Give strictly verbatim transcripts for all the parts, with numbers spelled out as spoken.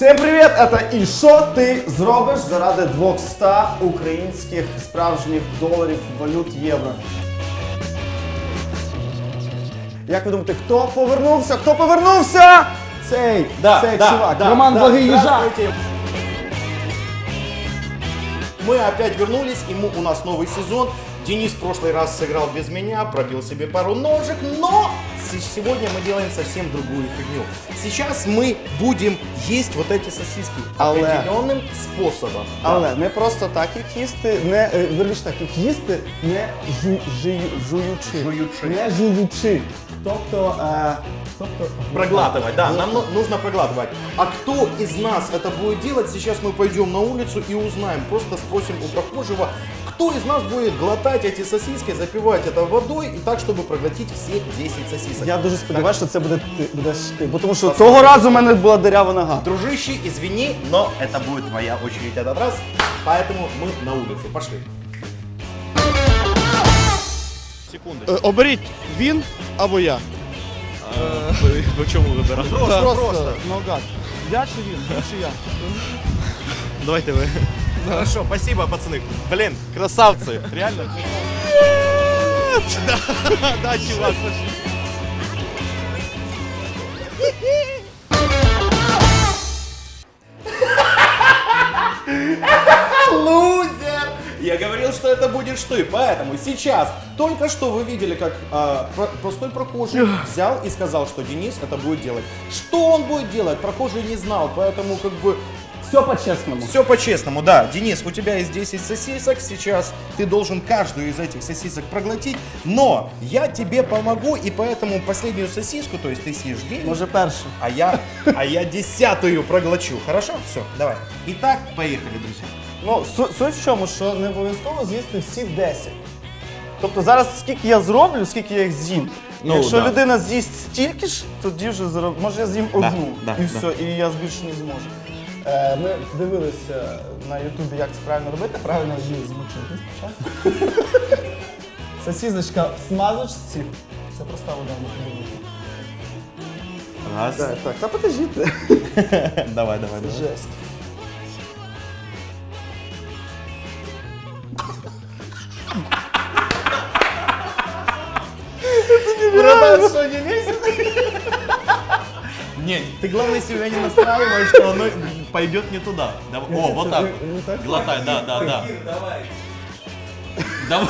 Всім привіт! Це і що ти зробиш заради двохсот українських справжніх доларів, валют, євро? Як ви думаєте, хто повернувся? Хто повернувся? Цей, да, цей да, чувак. Да, Роман да, Благий Їжак. Мы опять вернулись, и мы, у нас новый сезон. Денис в прошлый раз сыграл без меня, пробил себе пару ножек, но сегодня мы делаем совсем другую фигню. Сейчас мы будем есть вот эти сосиски Але. определенным способом. Але не просто так їх їсти, не, е, верніше так, їх їсти, не жу, жую, жуючи. Жуючи. Не жуючи. Тобто, е, тобто... Проглатывать, да, нам ну- нужно проглатывать. А кто из нас это будет делать, сейчас мы пойдем на улицу и узнаем. Просто спросим у прохожего, кто из нас будет глотать эти сосиски, запивать это водой и так, чтобы проглотить все десять сосисок. Я дуже сподіваюся, що це буде ти, будеш ти, бо тому що цього разу в мене була дирява нога. Дружище, извини, но это будет твоя очередь этот раз, поэтому мы на улицу. Пошли. Секунды. Е, Оберіть він або я. Ви чому вибирати? Просто, просто. Наугад. Я чи він? Він чи я? Давайте ви. Хорошо, спасибо, пацаны. Блин, красавцы. Реально? Да, да, чувак, пошли. Лузер! Я говорил, что это будешь ты, поэтому сейчас, только что вы видели, как а, про- простой прохожий взял и сказал, что Денис это будет делать. Что он будет делать, прохожий не знал, поэтому как бы Все по-чесному. все по-честному, да. Денис, у тебя есть десять сосисок, сейчас ты должен каждую из этих сосисок проглотить, но я тебе помогу, и поэтому последнюю сосиску, то есть ты съешь девять, Може перше. а я, а я десятую проглочу. Хорошо? Все, давай. Итак, поехали, друзья. Ну, су- суть в чому, що не обов'язково з'їсти всі десять. Тобто зараз скільки я зроблю, скільки я їх з'їм. Ну, Якщо да. людина з'їсть стільки ж, тоді вже зароб... може я з'їм одну да, і да. все, і я більше не зможу. Е, ми дивилися на Ютубі, як це правильно робити. Правильно її змочити спочатку. Сосісочка в смазочці. Це проста вода, не подивіться. Раз. Так, так, та покажіть. Давай, давай, давай. Жесть. Братан, что, не лезет? Не, ты главное себя не настраивай, что оно пойдет не туда. Давай. О, вот так. Не так? Глотай, да, да, да. Давай.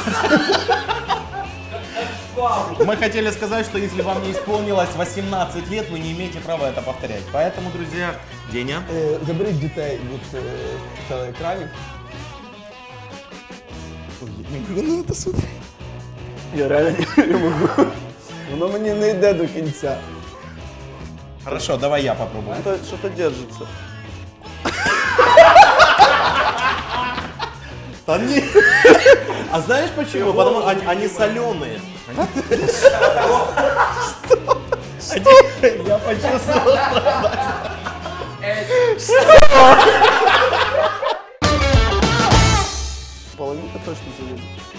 Мы хотели сказать, что если вам не исполнилось восемнадцать лет, вы не имеете права это повторять. Поэтому, друзья, Деня. Е, Заберіть дітей від е, телеекранів. Ну, это супер. Я реально не можу. Воно мені не йде до кінця. Хорошо, давай я попробую. Що-то, що-то держиться. Да не. А знаешь почему? Потому что они, они соленые. Я почувствовал. Половинка точно залізе.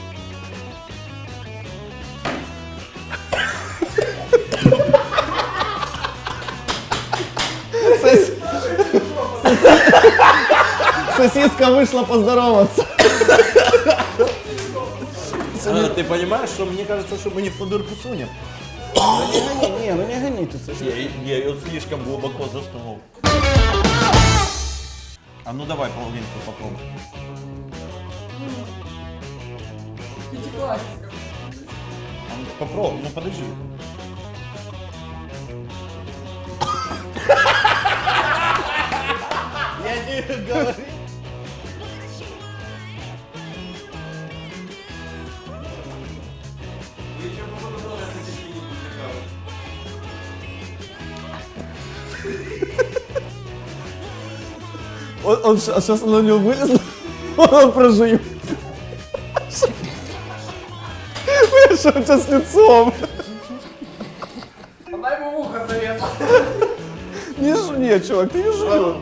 Сос- Сосиска вышла поздороваться. А, ты понимаешь, что мне кажется, что мы не в ту дырку сунем? Не гони, не, ну не гоните, це ж. Я, я ее слишком глубоко засунул. А ну давай половинку попробуй. А ну, попробуй, ну подожди. Я не говорю. Он, он, щ- а сейчас на него вылезло, он прожует. Что у тебя с лицом? Дай ему ухо зарезал. Не жуй, чувак, ты не жуешь.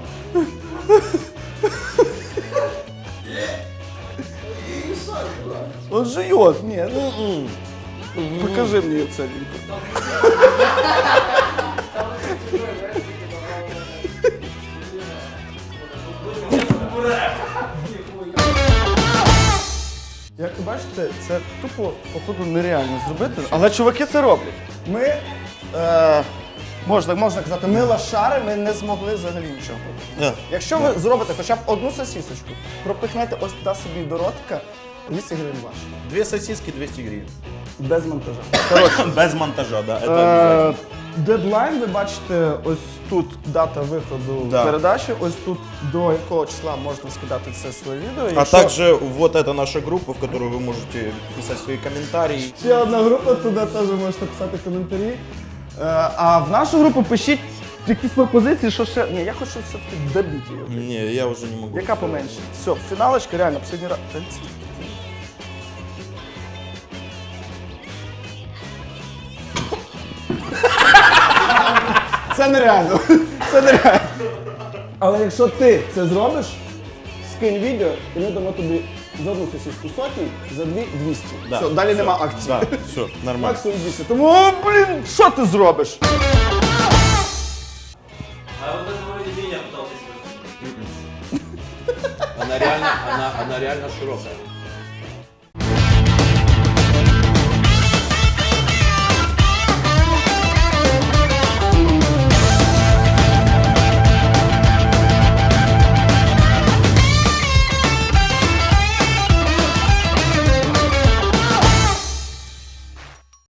Он жует. Нет, ну, покажи мне ее целенькую. Як ви бачите, це тупо, походу, нереально зробити, але чуваки це роблять. Ми, е, можна, можна казати, ми лошари, ми не змогли взагалі нічого. Да. Якщо ви зробите хоча б одну сосісочку, пропихнете ось туди собі до ротика, двісті гривень ваш. Две сосиски, двести гривен. Без монтажа. Коротше, Без монтажа, да, это обязательно. е, дедлайн, ви бачите, ось тут дата виходу Да. передачі, ось тут до якого числа можна скидати це своє відео. А Якщо- также вот это наша группа, в которую вы можете писать свои комментарии. Ще одна група, туди теж можете писати коментарі. Е, А в нашу групу пишіть якісь пропозиції, що ще. Ні, я хочу все-таки добити її. Не, я уже не могу. Яка поменше? Все, фіналочка, реально, последній раз. Та ці- Це нереально. Це нереально. Але якщо ти це зробиш, скинь відео, і ми дамо тобі за одну сосиску сотні, за дві двісті. Да, Все, далі всё, нема акції. Да, все, нормально. Максимум двісті. Тому, о, блін, що ти зробиш? А вот это вроде меня пытался себе. Она реально, она, она реально широкая.